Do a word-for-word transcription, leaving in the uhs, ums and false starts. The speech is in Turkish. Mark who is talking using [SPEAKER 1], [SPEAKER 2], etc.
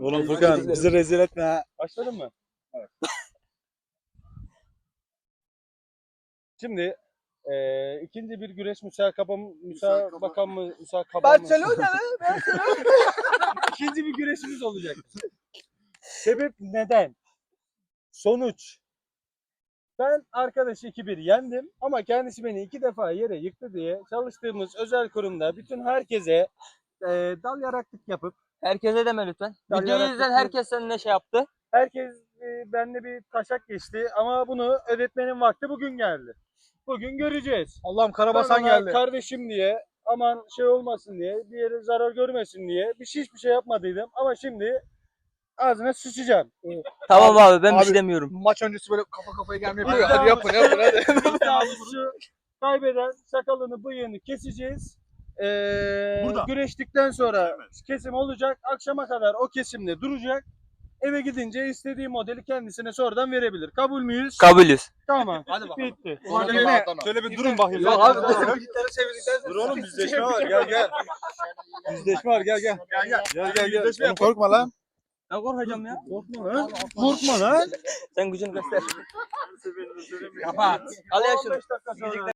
[SPEAKER 1] Oğlum Furkan bizi rezil etme ha.
[SPEAKER 2] Başladın mı? Evet. Şimdi eee ikinci bir güreş müsabaka müsabaka mı müsabaka mı?
[SPEAKER 3] Barcelona mı? Barcelona.
[SPEAKER 2] İkinci bir güreşimiz olacak. Sebep neden? Sonuç. Ben arkadaşı iki bir yendim ama kendisi beni iki defa yere yıktı diye çalıştığımız özel kurumda bütün herkese eee dal yaraklık yapıp
[SPEAKER 3] Herkese deme lütfen.
[SPEAKER 2] Dal
[SPEAKER 3] Videoyu
[SPEAKER 2] yarattık
[SPEAKER 3] izleyen
[SPEAKER 2] mı?
[SPEAKER 3] herkes seninle şey yaptı.
[SPEAKER 2] herkes e, benimle bir taşak geçti ama bunu ödetmenin vakti bugün geldi. Bugün göreceğiz.
[SPEAKER 1] Allah'ım
[SPEAKER 2] Ben
[SPEAKER 1] Karabasan
[SPEAKER 2] ona
[SPEAKER 1] geldi.
[SPEAKER 2] kardeşim diye aman şey olmasın diye bir yere zarar görmesin diye bir şey hiçbir şey yapmadıydım ama şimdi ağzına sıçacağım.
[SPEAKER 3] Tamam abi, ben bir
[SPEAKER 1] abi-
[SPEAKER 3] şey demiyorum.
[SPEAKER 1] Maç öncesi böyle kafa kafaya gelmeye
[SPEAKER 2] Hadi
[SPEAKER 1] yapıyor. Hadi yapın yapın hadi.
[SPEAKER 2] İddiamız şu, kaybeden sakalını bıyığını keseceğiz. Ee,
[SPEAKER 4] Burada.
[SPEAKER 2] güreştikten sonra kesim olacak. Akşama kadar o kesimde duracak. Eve gidince istediği modeli kendisine sonradan verebilir. Kabul müyüz?
[SPEAKER 3] Kabulüz.
[SPEAKER 2] Tamam.
[SPEAKER 1] Hadi bakalım.
[SPEAKER 2] Bitti.
[SPEAKER 1] Sonra
[SPEAKER 2] Şöyle,
[SPEAKER 1] ne?
[SPEAKER 2] şöyle bir durun bakayım.
[SPEAKER 1] Yok abi.
[SPEAKER 2] Dur oğlum yüzleşme var. Gel gel. Yüzleşme var. Gel gel.
[SPEAKER 1] Gel gel.
[SPEAKER 2] Gel gel gel.
[SPEAKER 1] Oğlum korkma lan.
[SPEAKER 3] Ben korkacağım ya.
[SPEAKER 2] Korkma lan. Korkma lan.
[SPEAKER 3] Sen gücünü göster.
[SPEAKER 2] Kapat.
[SPEAKER 3] Al ya şunu.
[SPEAKER 2] on beş dakika sonra.